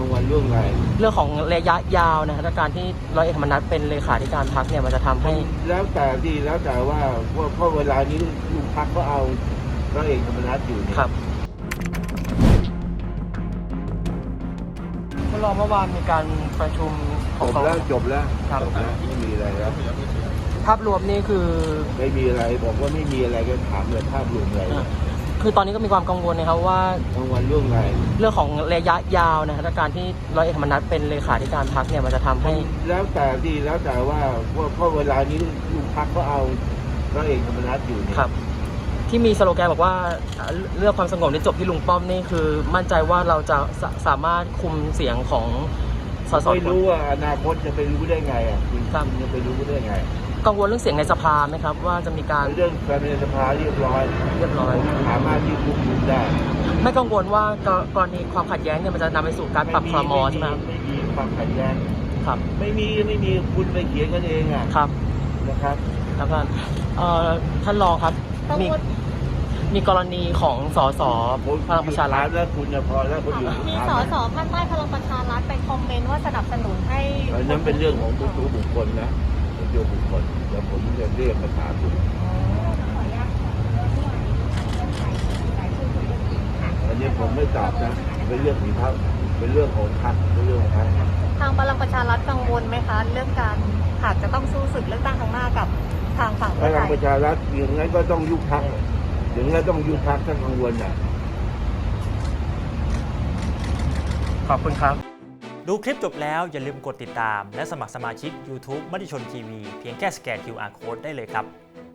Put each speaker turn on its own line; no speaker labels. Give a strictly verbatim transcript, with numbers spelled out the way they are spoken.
างวัลเรื่องอะไร
เรื่องของระยะยาวนะถ้าการที่ร้อยเอกธรรมนัสเป็นเลขาธิการพรรคเนี่ยมันจะทำให้
แล้วแต่ดีแล้วแต่ว่าเพราะเวลานี้ลูกพรรคก็เอาร้อยเอกธรรมนัสอยู่เนี่ย
ครับท่านรองเมื่อวานมีการประชุมข
จ
อง
บแล้วจบแล้ว
ครับ
จบแล้วไม่มีอะไรแล้ว
ภาพรวมนี่คือ
ไม่มีอะไรบอกว่าไม่มีอะไรก็ถามเลยภาพรวมอะไรนะ
คือตอนนี้ก็มีความกังวลนะครับว่าร
างวัลเรื่องอะไร
เรื่องของระยะยาวนะถ้าการที่ร้อยเอกธรรมนัสเป็นเลขาธิการพรรคเนี่ยมันจะทำให้
แล้วแต่ดีแล้วแต่ว่าเพราะเวลานี้ลูกพรรคก็เอาร้อยเอกธรรมนัสอยู่เนี่ย
ครับที่มีสโลแกนบอกว่าเรื่องความสงบในจบที่ลุงป้อมนี่คือมั่นใจว่าเราจะสาสามารถคุมเสียงของสส
ไม่รู้ว่าอนาคตจะไปรู้ได้ไงอ่ะคุณจะไปรู้ได้ไง
กังวลเรื่องเสียงในสภาไหมครับว่าจะมีการ
เรื่องการในสภาเรียบร้อย
เรียบร้อย
สามารถที่ควบคุมได้
ไม่กังวลว่ากรณีความขัดแย้งเนี่ยมันจะนำไปสู่การปรับครม.ใช่ไหมครับ
ไม่มีความขัดแย้ง
ครับ
ไม่มีไม่มีคุณไปเขียนกันเองอ่ะ
ครับ
นะครับ
ครับท่านเอ่อท่านรองครับมีมีกรณีของสสพลังประชารัฐ
แล้วคุณจะพอแล้วคนอื่น
มีสสภาคใต้พลังประชารัฐไปคอมเมนต์ว่าสนับสนุนให้
อันนั้นเป็นเรื่องของทุกๆบุคคลนะเป็นเรื่องบุคคลเดี๋ยวผมจะเรียกมาถามคุณอันนี้ผมไม่ตอบนะเป็นเรื่องของพรรคเป็นเรื่องของพรรคเป็นเรื่องของพรรค
ทางพลังประชารัฐกังวลไหมคะเรื่องการหากจะต้องสู้ศึกเลือกตั้งครั้งหน้ากับทางฝั่ง
พลังประชารัฐอย่างนั้นก็ต้องยุบพรรคอย่างนั้นต้องยุบพรรคถ้ากังวลอ่ะ
ขอบคุณครับ
ดูคลิปจบแล้วอย่าลืมกดติดตามและสมัครสมาชิก YouTube มติชนทีวีเพียงแค่สแกน คิว อาร์ Code ได้เลยครับ